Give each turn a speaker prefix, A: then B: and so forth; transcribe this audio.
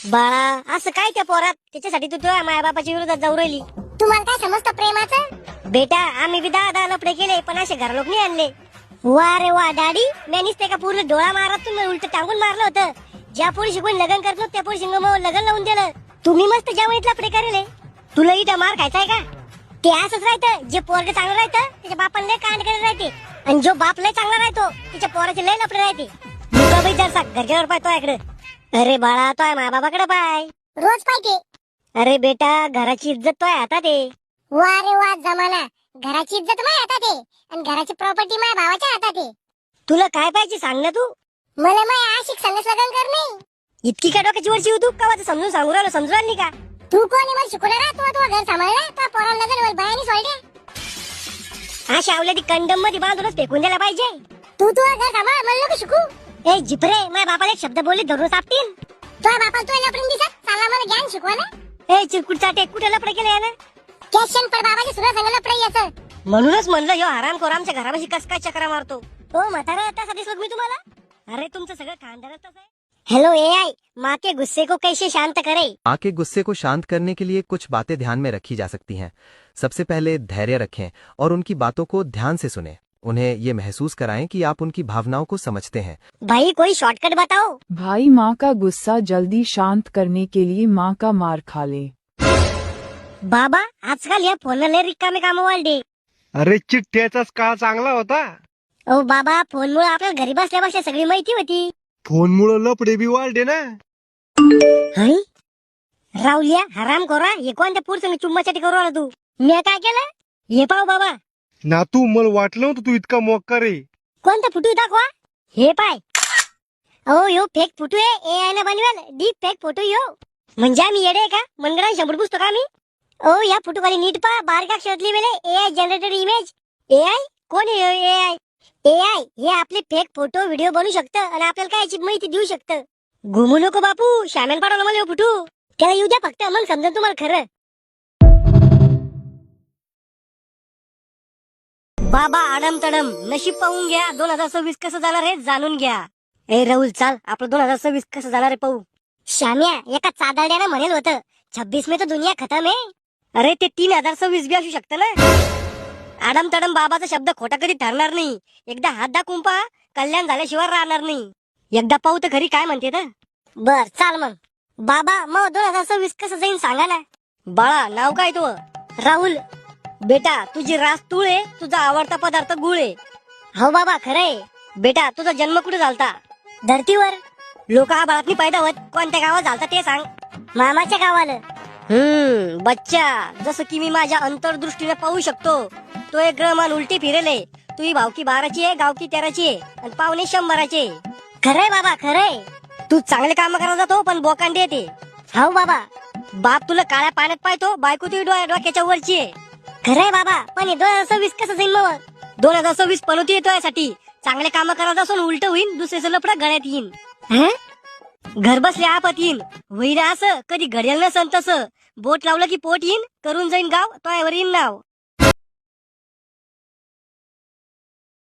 A: बाळा असं काय त्या पोरात त्याच्यासाठी तू तुझ्या माया बापाच्या विरोधात जाऊ राहिली?
B: तुम्हाला काय समजतं प्रेमाचं?
A: बेटा आम्ही बी 10 लपडे केले पण असे घर लोक नाही आणले. वा रे वा डॅडी, मी नुसते का पूर्ण डोळा मारत तुम्ही उलट टांगून मारलं होतं. ज्या पोरी शिकून लग्न करत नव्हतं त्या पोरी शिंग लग्न लावून दिलं. तुम्ही मस्त ज्या वळीत लपडे करेले. तुला इथं मार खायचाय का? ते असंच राहतं, जे पोरग चांगलं राहतं त्याच्या बापाला लय कांड करत राहते आणि जो बाप लय चांगला राहतो त्याच्या पोराचे लय लपडे राहते. मुका बाई जरसा घरच्यावर पाय तो इकडे. अरे बाळा तो माया बाबाकडे पाय.
B: रोज पाहिजे.
A: अरे बेटा घराची इज्जत तो हातात आहे.
B: वा रे वा जमाना. घराची इज्जत माझ्या हातात आहे आणि घराची प्रॉपर्टी माझ्या भावाच्या हातात आहे.
A: तुला काय पाहिजे सांग ना तू.
B: मला माझ्या आशिक संगच लग्न करणे.
A: इतकी काय डोक्याची वरची होऊ तू का समजून सांगू राहिलो समजून राहिली का?
B: तू कोण आहे मला शिकवणार? तू घर सांभाळला तर पोराला लग्न वर बायानी सोडले.
A: हा शावल्याची कंडम मध्ये बांधूनच फेकून द्यायला पाहिजे.
B: तू घर सांभाळ मला नको शिकू.
A: ए जिपरे माझ्या बापाला एक शब्द बोलले धरून सापटीन.
B: तुझ्या बापाला तू लपडून दिसत चाला मला ज्ञान शिकवा ना.
A: ए चिरकुट चाटे कुठे लपडे केले यानं?
B: कॅशन पर बाबाच्या सुद्धा संग लपडे याचं.
A: म्हणूनच म्हणलं ह्यो हराम खोर आमच्या घरापाशी कस काय चक्रा मारतो. हो म्हातारा त्यासाठी दिसलो मी तुम्हाला. अरे तुमचं सगळं खानदारच तसं आहे. हेलो एआई, माँ के गुस्से को कैसे शांत करे?
C: माँ के गुस्से को शांत करने के लिए कुछ बातें ध्यान में रखी जा सकती हैं। सबसे पहले धैर्य रखें और उनकी बातों को ध्यान से सुनें। उन्हें ये महसूस कराएं कि आप उनकी भावनाओं को समझते हैं।
A: भाई कोई शॉर्टकट बताओ.
D: भाई माँ का गुस्सा जल्दी शांत करने के लिए माँ का मार खा ले।
A: बाबा आजकाल या फोनला लय रिकामे काम वाढले.
E: अरे चिठ्ठ्याचाच काळ चांगला होता.
A: ओ बाबा फोनमुळे आपल्याला घरी बसल्या बसल्या सगळी माहिती होती.
E: फोनमुळे लपडे बी वाढले ना.
A: हं? राहुल्या हराम खोरा हे कोणत्या पुरुषाने चुम्मासाठी करू आला तू? मी काय केलं? हे पाव बाबा.
E: ना तू मला वाटलं होतं तू इतका मोक्का रे.
A: कोणता फोटो दाखवा. हे पाय. अहो यो फेक फोटो आहे. एआय ने बनवेल डीप फेक फोटो यो. म्हणजे आम्ही येडे आहे का? मनगडा शंभर पुस्तक आम्ही. ओ या फोटो खाली नीट पहा बारका अक्षरात लिहिलेले एआय जनरेटेड इमेज. एआय कोण आहे एआय? एआय हे आपले फेक फोटो व्हिडिओ बनवू शकतं आणि आपल्याला काय याची माहिती देऊ शकतं. घुमू नको बापू, शामेल पाडवलं मला फोटो. त्याला येऊ द्या फक्त, मग समजा तुम्हाला खरं. बाबा आडम तडम नशीब पाहून घ्या. 2026 कसं जाणार हे जाणून घ्या. ए राहुल चाल आपलं 2026 कसं जाणार आहे पाहू. श्याम्या एका चादाड्यानं म्हणेल होतं 26 में तो दुनिया खतम आहे. अरे ते 3026 बी असू शकतं ना. आडम तडम बाबाचा शब्द खोटा कधी ठरणार नाही. एकदा हात दाखवून पहा, कल्याण झाल्याशिवाय राहणार नाही. एकदा पाहू तर खरी काय म्हणते तर. बर चाल मग. बाबा मग 2026 कसं जाईन सांगा ना. बाळा नाव काय तू? राहुल. बेटा तुझी रास तूळ आहे, तुझा आवडता पदार्थ गुळ आहे. हो बाबा खरंय. बेटा तुझा जन्म कुठे झालता? धरतीवर. लोक आबाळातनी पैदा होत कोणत्या गावात झालता ते सांग. मामाच्या गावाला. बच्चा जसं की मी माझ्या अंतर्दृष्टीने पाहू शकतो तो एक ग्रहमान उलटी फिरेले. तुझी भावकी 12ची आहे, गावकी 13ची आहे आणि पाहुणे 100चे. खरंय बाबा खरंय. तू चांगले काम करायला जातो पण बोकांडी येते. हो बाबा. बाप तुला काळ्या पाण्यात पाहतो, बायको तुझी डोक्याच्या वरची आहे. खरंय बाबा पण 2026 कसं जाईल मग? 2026 पनोती येतो यासाठी चांगले काम करायला असून उलट होईन, दुसऱ्याचं लपडा गळ्यात येईन. घर बसल्या आपत येईन. होईन असं कधी घडेल नसन तसं. बोट लावलं की पोट येईन, करून जाईन गाव तोयावर येईन नाव.